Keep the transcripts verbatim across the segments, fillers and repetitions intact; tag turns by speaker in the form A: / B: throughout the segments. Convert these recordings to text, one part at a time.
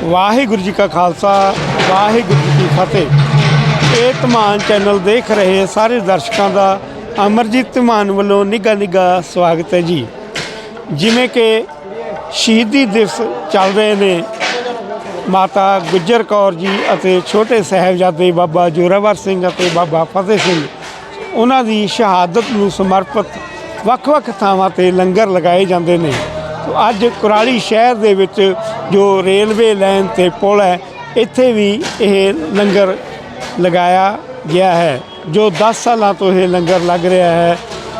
A: ਵਾਹਿਗੁਰੂ ਜੀ ਕਾ ਖਾਲਸਾ ਵਾਹਿਗੁਰੂ ਜੀ ਕੀ ਫਤਿਹ। ਇਹ ਧਮਾਨ ਚੈਨਲ ਦੇਖ ਰਹੇ ਸਾਰੇ ਦਰਸ਼ਕਾਂ ਦਾ ਅਮਰਜੀਤ ਧਮਾਨ ਵੱਲੋਂ ਨਿੱਘਾ ਨਿੱਘਾ ਸਵਾਗਤ ਹੈ ਜੀ। ਜਿਵੇਂ ਕਿ ਸ਼ਹੀਦੀ ਦਿਵਸ ਚੱਲ ਰਹੇ ਨੇ, ਮਾਤਾ ਗੁਜਰ ਕੌਰ ਜੀ ਅਤੇ ਛੋਟੇ ਸਾਹਿਬਜ਼ਾਦੇ ਬਾਬਾ ਜ਼ੋਰਾਵਰ ਸਿੰਘ ਅਤੇ ਬਾਬਾ ਫਤਿਹ ਸਿੰਘ, ਉਹਨਾਂ ਦੀ ਸ਼ਹਾਦਤ ਨੂੰ ਸਮਰਪਿਤ ਵੱਖ-ਵੱਖ ਥਾਵਾਂ 'ਤੇ ਲੰਗਰ ਲਗਾਏ ਜਾਂਦੇ ਨੇ। ਅੱਜ ਕੁਰਾਲੀ ਸ਼ਹਿਰ ਦੇ ਵਿੱਚ ਜੋ ਰੇਲਵੇ ਲਾਈਨ 'ਤੇ ਪੁਲ ਹੈ, ਇੱਥੇ ਵੀ ਇਹ ਲੰਗਰ ਲਗਾਇਆ ਗਿਆ ਹੈ, ਜੋ ਦਸ ਸਾਲਾਂ ਤੋਂ ਇਹ ਲੰਗਰ ਲੱਗ ਰਿਹਾ ਹੈ।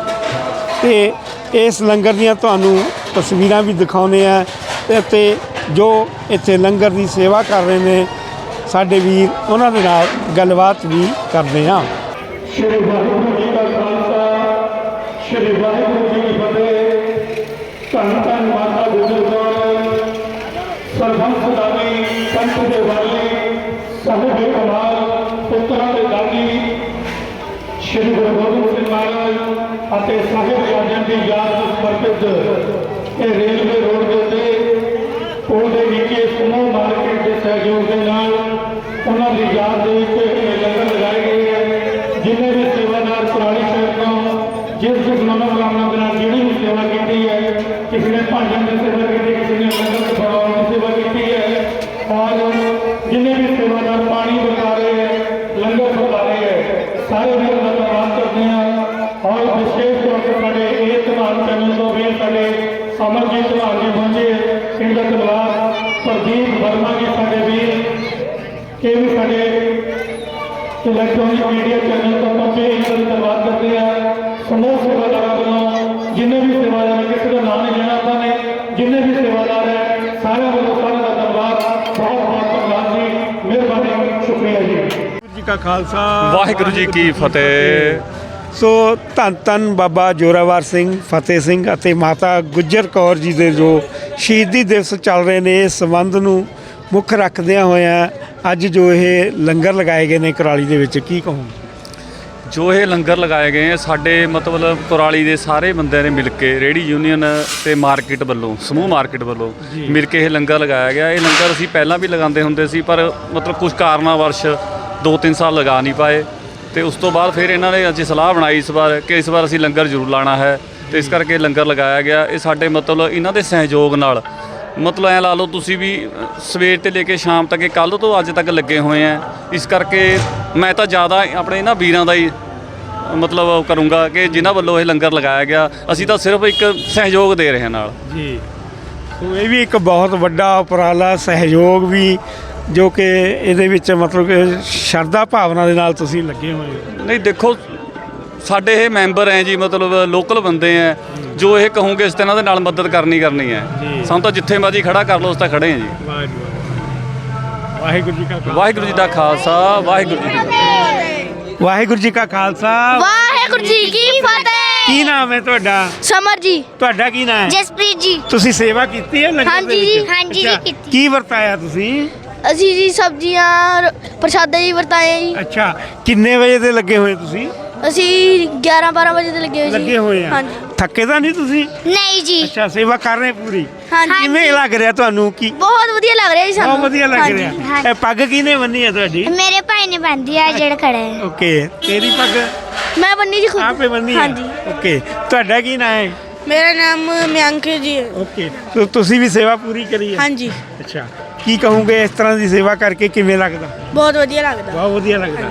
A: ਅਤੇ ਇਸ ਲੰਗਰ ਦੀਆਂ ਤੁਹਾਨੂੰ ਤਸਵੀਰਾਂ ਵੀ ਦਿਖਾਉਂਦੇ ਆ ਅਤੇ ਜੋ ਇੱਥੇ ਲੰਗਰ ਦੀ ਸੇਵਾ ਕਰ ਰਹੇ ਨੇ ਸਾਡੇ ਵੀਰ, ਉਹਨਾਂ ਦੇ ਨਾਲ ਗੱਲਬਾਤ ਵੀ ਕਰਦੇ ਹਾਂ।
B: ਸ਼੍ਰੀ ਵਾਹਿਗੁਰੂ ਜੀ ਕਾ ਖਾਲਸਾ, ਸ਼੍ਰੀ ਵਾਹਿਗੁਰੂ ਜੀ ਕੀ ਫਤਿਹ। ਧੰਨ ਧੰਨ ਮਾਤਾ ਗੁਜਰ ਕੌਰ, ਸਰਬੰਸ ਦਾਨੀ, ਪੰਥ ਦੇ ਵਾਲੀ, ਸਾਹਿਬੇ ਕਮਾਲ, ਪੁੱਤਰਾਂ ਦੇ ਦਾਨੀ, ਸ਼੍ਰੀ ਗੁਰੂ ਗੋਬਿੰਦ ਸਿੰਘ ਮਹਾਰਾਜ ਅਤੇ ਸਾਹਿਬਜ਼ਾਦਿਆਂ ਦੀ ਯਾਦ ਨੂੰ ਸਮਰਪਿਤ ਇਹ ਰੇਲਵੇ ਰੋਡ ਦੇ ਉੱਤੇ ਪੁਲ ਦੇ ਨੀਚੇ ਸਮੂਹ ਮਾਰਕੀਟ ਦੇ ਸਹਿਯੋਗ ਦੇ ਨਾਲ ਉਹਨਾਂ ਦੀ ਯਾਦ ਦੇ ਵਿੱਚ ਇਹ ਲੰਗਰ ਲਗਾਏ ਗਏ ਹੈ। ਜਿੰਨੇ ਵੀ ਸੇਵਾਦਾਰ ਕੁਰਾਲੀ ਸ਼ਹਿਰ ਤੋਂ ਜਿਸ ਜਿਸ ਮਨੋਕਾਮਨਾ ਦੇ ਨਾਲ ਜਿਹੜੀ ਵੀ ਸੇਵਾ ਕੀਤੀ ਹੈ, ਕਿਸੇ ਨੇ ਭਾਂਡਿਆਂ ਦੀ ਸੇਵਾ ਕੀਤੀ, ਕਿਸੇ ਨੇ ਲੰਗਰ ਬਣਾਉਣ ਦੀ ਸੇਵਾ ਕੀਤੀ ਹੈ, ਔਰ ਜਿੰਨੇ ਵੀ ਸੇਵਾਦਾਰ ਪਾਣੀ ਵਰਤਾ ਰਹੇ ਹੈ, ਲੰਗਰ ਵਰਤਾ ਰਹੇ ਹੈ, ਸਾਰੇ ਵੀਰਾਂ ਦਾ ਧੰਨਵਾਦ ਕਰਦੇ ਹਾਂ। ਔਰ ਵਿਸ਼ੇਸ਼ ਤੌਰ ਤੇ ਸਾਡੇ ਇਹ ਧਮਾਨ ਚੈਨਲ ਤੋਂ ਵੀ ਸਾਡੇ ਅਮਰਜੀਤ ਧਮਾਨ ਜੀ ਪਹੁੰਚੇ, ਇਹਨਾਂ ਦਾ ਧੰਨਵਾਦ। ਪ੍ਰਦੀਪ ਵਰਮਾ ਜੀ ਸਾਡੇ ਵੀਰ, ਇਹ ਵੀ ਸਾਡੇ ਇਲੈਕਟ੍ਰੋਨਿਕ ਮੀਡੀਆ ਚੈਨਲ ਤੋਂ ਪਹੁੰਚੇ, ਇਹਨਾਂ ਦਾ ਧੰਨਵਾਦ ਕਰਦੇ ਹਾਂ। ਸਮੂਹ ਸੇਵਾਦਾਰਾਂ ਵੱਲੋਂ ਜਿੰਨੇ ਵੀ ਸੇਵਾਦਾਰ, ਕਿਸੇ ਦਾ ਨਾਮ ਨਹੀਂ ਲੈਣਾ ਆਪਾਂ ਨੇ, ਜਿੰਨੇ ਵੀ ਸੇਵਾਦਾਰ ਹੈ ਸਾਰਿਆਂ ਵੱਲੋਂ ਸਾਰਿਆਂ ਦਾ ਧੰਨਵਾਦ, ਬਹੁਤ ਬਹੁਤ ਧੰਨਵਾਦ ਜੀ, ਮਿਹਰਬਾਨੀ, ਸ਼ੁਕਰੀਆ ਜੀ।
A: ਵਾਹਿਗੁਰੂ ਜੀ ਕਾ ਖਾਲਸਾ
C: ਵਾਹਿਗੁਰੂ ਜੀ ਕੀ ਫਤਿਹ।
A: ਸੋ ਧੰਨ ਧੰਨ ਬਾਬਾ ਜ਼ੋਰਾਵਰ ਸਿੰਘ, ਫਤਿਹ ਸਿੰਘ ਅਤੇ ਮਾਤਾ ਗੁਜਰ ਕੌਰ ਜੀ ਦੇ ਜੋ ਸ਼ਹੀਦੀ ਦਿਵਸ ਚੱਲ ਰਹੇ ਨੇ, ਇਸ ਸੰਬੰਧ ਨੂੰ ਮੁੱਖ ਰੱਖਦਿਆਂ ਹੋਇਆਂ ਅੱਜ ਜੋ ਇਹ ਲੰਗਰ ਲਗਾਏ ਗਏ ਨੇ ਕੁਰਾਲੀ ਦੇ ਵਿੱਚ, ਕੀ ਕਹੂੰ?
C: ਜੋ ਇਹ ਲੰਗਰ ਲਗਾਏ ਗਏ ਆ, ਸਾਡੇ ਮਤਲਬ ਕੁਰਾਲੀ ਦੇ ਸਾਰੇ ਬੰਦਿਆਂ ਨੇ ਮਿਲ ਕੇ, ਰੇਹੜੀ ਯੂਨੀਅਨ ਤੇ ਮਾਰਕੀਟ ਵੱਲੋਂ, ਸਮੂਹ ਮਾਰਕੀਟ ਵੱਲੋਂ ਮਿਲ ਕੇ ਇਹ ਲੰਗਰ ਲਗਾਇਆ ਗਿਆ। ਇਹ ਲੰਗਰ ਅਸੀਂ ਪਹਿਲਾਂ ਵੀ ਲਗਾਉਂਦੇ ਹੁੰਦੇ ਸੀ, ਪਰ ਮਤਲਬ ਕੁਝ ਕਾਰਨਾਂ ਵਰਸ਼ ਦੋ ਤਿੰਨ ਸਾਲ ਲਗਾ ਨਹੀਂ ਪਾਏ, ਅਤੇ ਉਸ ਤੋਂ ਬਾਅਦ ਫਿਰ ਇਹਨਾਂ ਨੇ ਅੱਜ ਸਲਾਹ ਬਣਾਈ ਇਸ ਵਾਰ ਕਿ ਇਸ ਵਾਰ ਅਸੀਂ ਲੰਗਰ ਜ਼ਰੂਰ ਲਾਉਣਾ ਹੈ, ਅਤੇ ਇਸ ਕਰਕੇ ਲੰਗਰ ਲਗਾਇਆ ਗਿਆ। ਇਹ ਸਾਡੇ ਮਤਲਬ ਇਹਨਾਂ ਦੇ ਸਹਿਯੋਗ ਨਾਲ, ਮਤਲਬ ਐਂ ਲਾ ਲਓ ਤੁਸੀਂ ਵੀ, ਸਵੇਰ ਤੋਂ ਲੈ ਕੇ ਸ਼ਾਮ ਤੱਕ, ਕੱਲ੍ਹ ਤੋਂ ਅੱਜ ਤੱਕ ਲੱਗੇ ਹੋਏ ਆ। ਇਸ ਕਰਕੇ ਮੈਂ ਤਾਂ ਜ਼ਿਆਦਾ ਆਪਣੇ ਇਹਨਾਂ ਵੀਰਾਂ ਦਾ ਹੀ ਮਤਲਬ ਕਰੂੰਗਾ ਕਿ ਜਿਨ੍ਹਾਂ ਵੱਲੋਂ ਇਹ ਲੰਗਰ ਲਗਾਇਆ ਗਿਆ, ਅਸੀਂ ਤਾਂ ਸਿਰਫ ਇੱਕ ਸਹਿਯੋਗ ਦੇ ਰਹੇ ਹਾਂ ਨਾਲ
A: ਜੀ। ਸੋ ਇਹ ਵੀ ਇੱਕ ਬਹੁਤ ਵੱਡਾ ਉਪਰਾਲਾ, ਸਹਿਯੋਗ ਵੀ, ਜੋ ਕਿ ਇਹਦੇ ਵਿੱਚ ਮਤਲਬ ਕਿ ਸ਼ਰਧਾ ਭਾਵਨਾ ਦੇ ਨਾਲ ਤੁਸੀਂ ਲੱਗੇ ਹੋਏ ਹੋ।
C: ਨਹੀਂ ਦੇਖੋ, ਸਾਡੇ ਇਹ ਮੈਂਬਰ ਹੈ ਜੀ, ਮਤਲਬ ਲੋਕਲ ਬੰਦੇ ਹੈ, ਜੋ ਇਹ ਕਹੋਗੇ ਇਸ ਤਰ੍ਹਾਂ ਦੇ ਨਾਲ ਮਦਦ ਕਰਨੀ ਕਰਨੀ ਹੈ। ਸਾਨੂੰ ਤਾਂ ਜਿੱਥੇ ਮਰਜ਼ੀ ਖੜਾ ਕਰ ਲਓ, ਉਸ ਤਾਂ ਖੜੇ ਹਾਂ ਜੀ।
A: ਵਾਹਿਗੁਰੂ ਜੀ ਕਾ ਖਾਲਸਾ,
C: ਵਾਹਿਗੁਰੂ ਜੀ ਦਾ ਖਾਲਸਾ, ਵਾਹਿਗੁਰੂ ਜੀ ਦੀ ਫਤਿਹ।
A: ਵਾਹਿਗੁਰੂ ਜੀ ਕਾ ਖਾਲਸਾ,
D: ਵਾਹਿਗੁਰੂ ਜੀ ਕੀ ਫਤਿਹ।
A: ਕੀ ਨਾਮ ਹੈ ਤੁਹਾਡਾ?
D: ਸਮਰ ਜੀ।
A: ਤੁਹਾਡਾ ਕੀ ਨਾਮ ਹੈ?
D: ਜਸਪ੍ਰੀਤ ਜੀ।
A: ਤੁਸੀਂ ਸੇਵਾ ਕੀਤੀ ਹੈ ਲੰਗਰ ਦੇ
D: ਹਾਂਜੀ
A: ਵਿੱਚ?
D: ਜੀ, ਹਾਂਜੀ ਜੀ,
A: ਅੱਛਾ,
D: ਕੀਤੀ।
A: ਕੀ ਵਰਤਾਇਆ ਤੁਸੀਂ?
D: ਅਸੀਂ ਜੀ ਸਬਜ਼ੀਆਂ, ਪ੍ਰਸ਼ਾਦੇ ਜੀ ਵਰਤਾਏ ਜੀ।
A: ਅੱਛਾ, ਕਿੰਨੇ ਵਜੇ ਦੇ ਲੱਗੇ ਹੋਏ ਤੁਸੀਂ?
D: ਅਸੀਂ ਗਿਆਰਾਂ ਬਾਰਾਂ ਵਜੇ ਤੇ ਲੱਗੇ ਹੋਏ ਜੀ।
A: ਲੱਗੇ ਹੋਏ ਆ।
D: ਹਾਂਜੀ।
A: ਥੱਕੇ ਤਾਂ ਨਹੀਂ ਤੁਸੀਂ?
D: ਨਹੀਂ ਜੀ।
A: ਅੱਛਾ, ਸੇਵਾ ਕਰ ਰਹੇ ਪੂਰੀ?
D: ਹਾਂਜੀ।
A: ਕਿਵੇਂ ਲੱਗ ਰਿਹਾ ਤੁਹਾਨੂੰ? ਕੀ
D: ਬਹੁਤ ਵਧੀਆ ਲੱਗ ਰਿਹਾ ਜੀ ਸਾਨੂੰ।
A: ਬਹੁਤ ਵਧੀਆ ਲੱਗ
D: ਹਾਂਜੀ,
A: ਰਿਹਾ।
D: ਹਾਂਜੀ।
A: ਇਹ ਪੱਗ ਕਿਹਨੇ ਬੰਨੀ ਹੈ ਤੁਹਾਡੀ?
D: ਮੇਰੇ ਭਾਈ ਨੇ ਬੰਨ੍ਹੀ ਆ, ਜਿਹੜਾ ਖੜਾ ਹੈ।
A: ਓਕੇ, ਤੇਰੀ ਪੱਗ
D: ਮੈਂ ਬੰਨੀ ਜੀ ਖੁਦ।
A: ਆਪੇ ਬੰਨੀ ਹੈ?
D: ਹਾਂਜੀ।
A: ਓਕੇ, ਤੁਹਾਡਾ ਕੀ ਨਾਮ ਹੈ?
E: ਮੇਰਾ ਨਾਮ ਮਿਆਂਕ ਜੀ ਹੈ।
A: ਓਕੇ, ਤੋ ਤੁਸੀਂ ਵੀ ਸੇਵਾ ਪੂਰੀ ਕਰੀ ਹੈ?
E: ਹਾਂਜੀ,
A: ਅੱਛਾ, ਕੀ ਕਹੋਗੇ ਇਸ ਤਰ੍ਹਾਂ ਦੀ ਸੇਵਾ ਕਰਕੇ ਕਿਵੇਂ ਲੱਗਦਾ?
E: ਬਹੁਤ ਵਧੀਆ ਲੱਗਦਾ।
A: ਬਹੁਤ ਵਧੀਆ ਲੱਗਦਾ।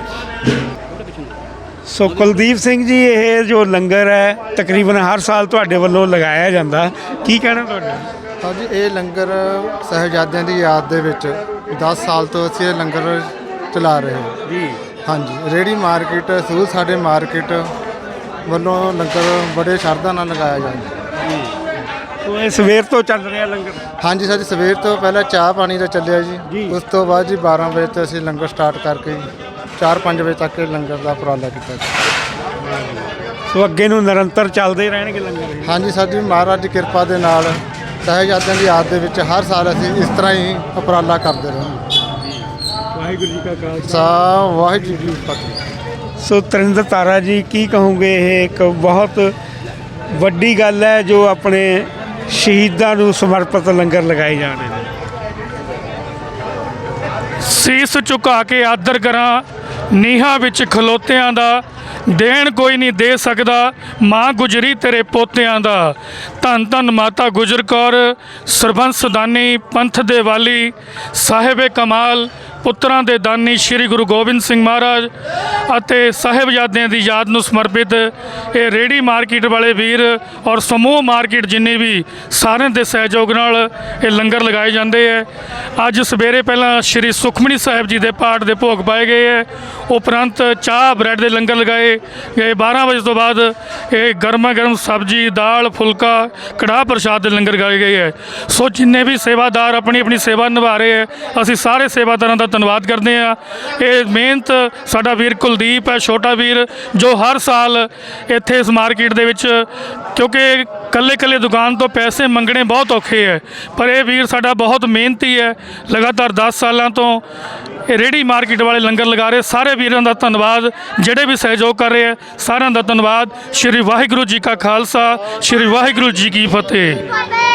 A: ਸੋ ਕੁਲਦੀਪ ਸਿੰਘ ਜੀ, ਇਹ ਜੋ ਲੰਗਰ ਹੈ ਤਕਰੀਬਨ ਹਰ ਸਾਲ ਤੁਹਾਡੇ ਵੱਲੋਂ ਲਗਾਇਆ ਜਾਂਦਾ, ਕੀ ਕਹਿਣਾ ਤੁਹਾਡਾ?
F: ਹਾਂਜੀ, ਇਹ ਲੰਗਰ ਸਾਹਿਬਜ਼ਾਦਿਆਂ ਦੀ ਯਾਦ ਦੇ ਵਿੱਚ ਦਸ ਸਾਲ ਤੋਂ ਅਸੀਂ ਇਹ ਲੰਗਰ ਚਲਾ ਰਹੇ ਹਾਂ
A: ਜੀ।
F: ਹਾਂਜੀ, ਰੇਹੜੀ ਮਾਰਕੀਟ, ਸਕੂਲ ਸਾਡੇ ਮਾਰਕੀਟ ਵੱਲੋਂ ਲੰਗਰ ਬੜੇ ਸ਼ਰਧਾ ਨਾਲ ਲਗਾਇਆ ਜਾਂਦਾ।
A: ਸੋ ਇਹ ਸਵੇਰ ਤੋਂ ਚੱਲ ਰਿਹਾ ਲੰਗਰ?
F: ਹਾਂਜੀ ਸਰ, ਸਵੇਰ ਤੋਂ ਪਹਿਲਾਂ ਚਾਹ ਪਾਣੀ ਦਾ ਚੱਲਿਆ
A: ਜੀ।
F: ਜੀ, ਉਸ ਤੋਂ ਬਾਅਦ ਜੀ ਬਾਰਾਂ ਵਜੇ ਤੋਂ ਅਸੀਂ ਲੰਗਰ ਸਟਾਰਟ ਕਰਕੇ ਚਾਰ ਪੰਜ ਵਜੇ ਤੱਕ ਇਹ ਲੰਗਰ ਦਾ ਉਪਰਾਲਾ ਕੀਤਾ ਜੀ।
A: ਸੋ ਅੱਗੇ ਨੂੰ ਨਿਰੰਤਰ ਚੱਲਦੇ ਰਹਿਣਗੇ ਲੰਗਰ ਇਹ?
F: ਹਾਂਜੀ ਸਰ ਜੀ, ਮਹਾਰਾਜ ਦੀ ਕਿਰਪਾ ਦੇ ਨਾਲ ਸਾਹਿਬਜ਼ਾਦਿਆਂ ਦੀ ਯਾਦ ਦੇ ਵਿੱਚ ਹਰ ਸਾਲ ਅਸੀਂ ਇਸ ਤਰ੍ਹਾਂ ਹੀ ਉਪਰਾਲਾ ਕਰਦੇ ਰਹਾਂਗੇ।
A: ਵਾਹਿਗੁਰੂ ਜੀ ਕਾ ਖਾਲਸਾ,
F: ਸਾ ਵਾਹਿਗੁਰੂ ਜੀ ਕੀ ਫਤਿਹ।
A: ਸੋ ਤਰਿੰਦਰ ਤਾਰਾ ਜੀ, ਕੀ ਕਹੋਗੇ? ਇਹ ਇੱਕ ਬਹੁਤ ਵੱਡੀ ਗੱਲ ਹੈ ਜੋ ਆਪਣੇ ਸ਼ਹੀਦਾਂ ਨੂੰ ਸਮਰਪਿਤ ਲੰਗਰ ਲਗਾਏ ਜਾ ਰਹੇ ਨੇ।
G: ਸੀਸ ਝੁਕਾ ਕੇ ਆਦਰ ਕਰਾਂ, ਨੀਹਾਂ ਵਿੱਚ ਖਲੋਤਿਆਂ ਦਾ ਦੇਣ ਕੋਈ ਨਹੀਂ ਦੇ ਸਕਦਾ, ਮਾਂ ਗੁਜਰੀ ਤੇਰੇ ਪੋਤਿਆਂ ਦਾ। ਧੰਨ ਧੰਨ ਮਾਤਾ ਗੁਜਰ ਕੌਰ, ਸਰਬੰਸ ਦਾਨੀ, ਪੰਥ ਦੇ ਵਾਲੀ, ਸਾਹਿਬੇ ਕਮਾਲ, ਪੁੱਤਰਾਂ ਦੇ ਦਾਨੀ ਸ੍ਰੀ ਗੁਰੂ ਗੋਬਿੰਦ ਸਿੰਘ ਮਹਾਰਾਜ ਅਤੇ ਸਾਹਿਬਜ਼ਾਦਿਆਂ ਦੀ ਯਾਦ ਨੂੰ ਸਮਰਪਿਤ ਇਹ ਰੇਹੜੀ ਮਾਰਕੀਟ ਵਾਲੇ ਵੀਰ ਔਰ ਸਮੂਹ ਮਾਰਕੀਟ ਜਿੰਨੇ ਵੀ ਸਾਰਿਆਂ ਦੇ ਸਹਿਯੋਗ ਨਾਲ ਇਹ ਲੰਗਰ ਲਗਾਏ ਜਾਂਦੇ ਹੈ। ਅੱਜ ਸਵੇਰੇ ਪਹਿਲਾਂ ਸ੍ਰੀ ਸੁਖਮਨੀ ਸਾਹਿਬ ਜੀ ਦੇ ਪਾਠ ਦੇ ਭੋਗ ਪਾਏ ਗਏ ਹੈ, ਉਪਰੰਤ ਚਾਹ ਬ੍ਰੈਡ ਦੇ ਲੰਗਰ ਲਗਾਏ ਗਏ। ਬਾਰ੍ਹਾਂ ਵਜੇ ਤੋਂ ਬਾਅਦ ਇਹ ਗਰਮਾ ਗਰਮ ਸਬਜ਼ੀ, ਦਾਲ, ਫੁਲਕਾ, ਕੜਾਹ ਪ੍ਰਸ਼ਾਦ ਦੇ ਲੰਗਰ ਲਗਾਏ ਗਏ ਹੈ। ਸੋ ਜਿੰਨੇ ਵੀ ਸੇਵਾਦਾਰ ਆਪਣੀ ਆਪਣੀ ਸੇਵਾ ਨਿਭਾ ਰਹੇ ਹੈ, ਅਸੀਂ ਸਾਰੇ ਸੇਵਾਦਾਰਾਂ ਦਾ ਧੰਨਵਾਦ ਕਰਦੇ ਹਾਂ। ਇਹ ਮਿਹਨਤ ਸਾਡਾ ਵੀਰ ਕੁਲਦੀਪ ਹੈ, ਛੋਟਾ ਵੀਰ, ਜੋ ਹਰ ਸਾਲ ਇੱਥੇ ਇਸ ਮਾਰਕੀਟ ਦੇ ਵਿੱਚ, ਕਿਉਂਕਿ ਕੱਲੇ ਕੱਲੇ ਦੁਕਾਨ ਤੋਂ ਪੈਸੇ ਮੰਗਣੇ ਬਹੁਤ ਔਖੇ ਹੈ, ਪਰ ਇਹ ਵੀਰ ਸਾਡਾ ਬਹੁਤ ਮਿਹਨਤੀ ਹੈ। ਲਗਾਤਾਰ ਦਸ ਸਾਲਾਂ ਤੋਂ ਇਹ ਰੇਹੜੀ ਮਾਰਕੀਟ ਵਾਲੇ ਲੰਗਰ ਲਗਾ ਰਹੇ। ਸਾਰੇ ਵੀਰਾਂ ਦਾ ਧੰਨਵਾਦ, ਜਿਹੜੇ ਵੀ ਸਹਿਯੋਗ ਕਰ ਰਹੇ ਹੈ ਸਾਰਿਆਂ ਦਾ ਧੰਨਵਾਦ। ਸ਼੍ਰੀ ਵਾਹਿਗੁਰੂ ਜੀ ਕਾ ਖਾਲਸਾ, ਸ਼੍ਰੀ ਵਾਹਿਗੁਰੂ ਜੀ ਕੀ ਫਤਿਹ।